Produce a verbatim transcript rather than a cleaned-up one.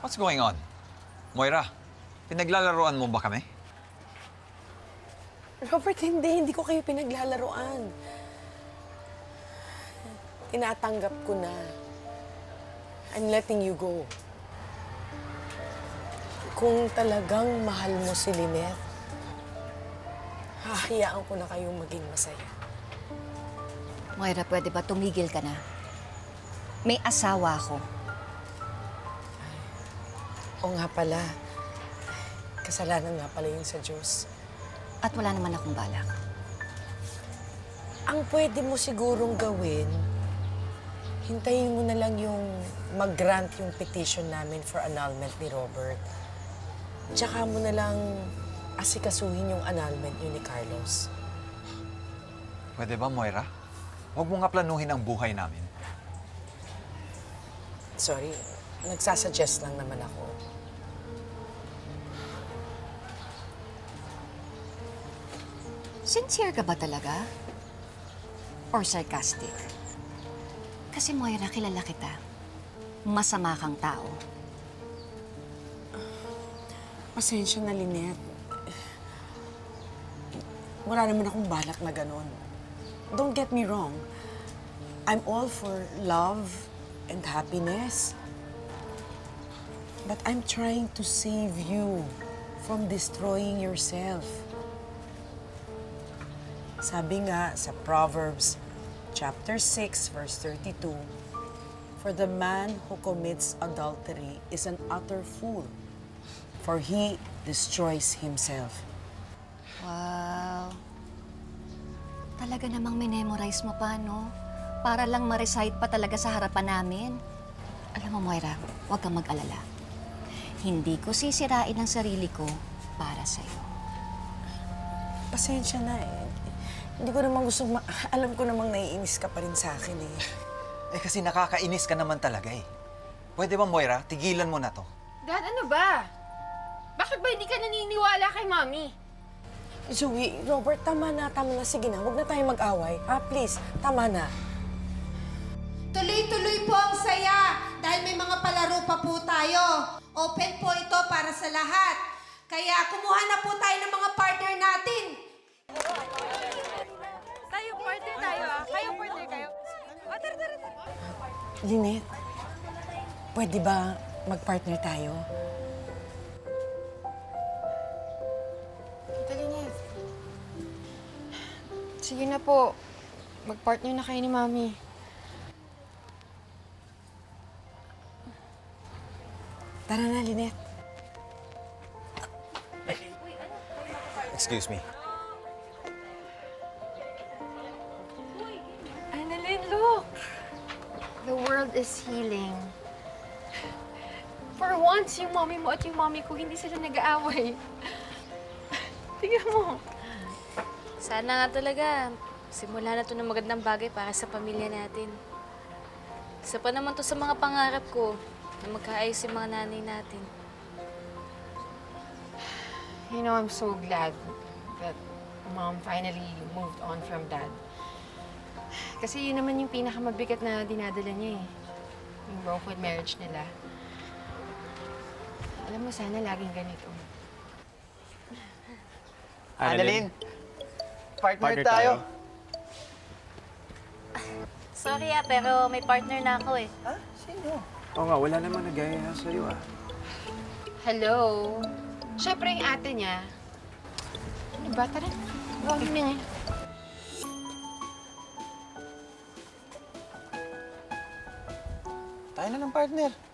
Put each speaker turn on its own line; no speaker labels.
What's going on? Moira, pinaglalaroan mo ba kami?
Robert, hindi. Hindi ko kayo pinaglalaroan. Tinatanggap ko na. I'm letting you go. Kung talagang mahal mo si Lynette, hahayaan ko na kayong maging masaya.
Moira, pwede ba tumigil ka na? May asawa ako.
O nga pala, kasalanan nga pala yun sa Diyos.
At wala naman akong balak.
Ang pwede mo sigurong gawin, hintayin mo na lang yung mag-grant yung petition namin for annulment ni Robert. Tsaka mo na lang asikasuhin yung annulment niyo ni Carlos.
Pwede ba, Moira? Huwag mo nga planuhin ang buhay namin.
Sorry, nagsasuggest lang naman ako.
Sincere ka ba talaga? Or sarcastic? Kasi Moira, kilala kita. Masama kang tao.
Pasensya na, Lynette. Wala naman akong balak na ganun. Don't get me wrong. I'm all for love and happiness. But I'm trying to save you from destroying yourself. Sabi nga sa Proverbs chapter six, verse thirty-two, "For the man who commits adultery is an utter fool, for he destroys himself."
Wow. Talaga namang minemorize mo pa, no? Para lang ma-recite pa talaga sa harapan namin. Alam mo, Moira, huwag kang mag-alala. Hindi ko sisirain ang sarili ko para sa'yo.
Pasensya na eh. Hindi ko naman gusto, ma- alam ko namang naiinis ka pa rin sa akin eh.
Eh kasi nakakainis ka naman talaga eh. Pwede ba, Moira? Tigilan mo na to.
Dad, ano ba? Bakit ba hindi ka naniniwala kay Mommy?
Zoe, Robert, tama na, tama na. Sige na, huwag na tayo mag-away. Ah, please, tama na.
Tuloy-tuloy po ang saya dahil may mga palaro pa po tayo. Open po ito para sa lahat. Kaya kumuha na po tayo ng mga partner natin.
Tayo, partner tayo ah. Kayo, partner kayo. O, tara, tara, tara.
Lynette, pwede ba mag-partner tayo?
Tita Lynette. Sige na po. Mag-partner na kayo ni Mommy.
Tara na, Lynette.
Excuse me.
Annalyn, look! The world is healing. For once, yung mommy mo at yung mommy ko, hindi sila nag-aaway. Tingnan mo.
Sana nga talaga, simula na to ng magandang bagay para sa pamilya natin. Isa pa naman to sa mga pangarap ko na magkaayos yung mga nanay natin.
You know, I'm so glad that Mom finally moved on from Dad. Kasi yun naman yung pinakamabigat na dinadala niya eh. Yung broken marriage nila. Alam mo, sana laging ganito.
Annalyn, partner,
Partner
tayo.
tayo.
Sorry ah, pero may partner na ako eh.
Ha? Sino?
Oo nga, wala naman nagaya sa'yo ah.
Hello? Siyempre yung ate niya. Ano ba? Tara, huwag na nga.
Tayo na ng partner.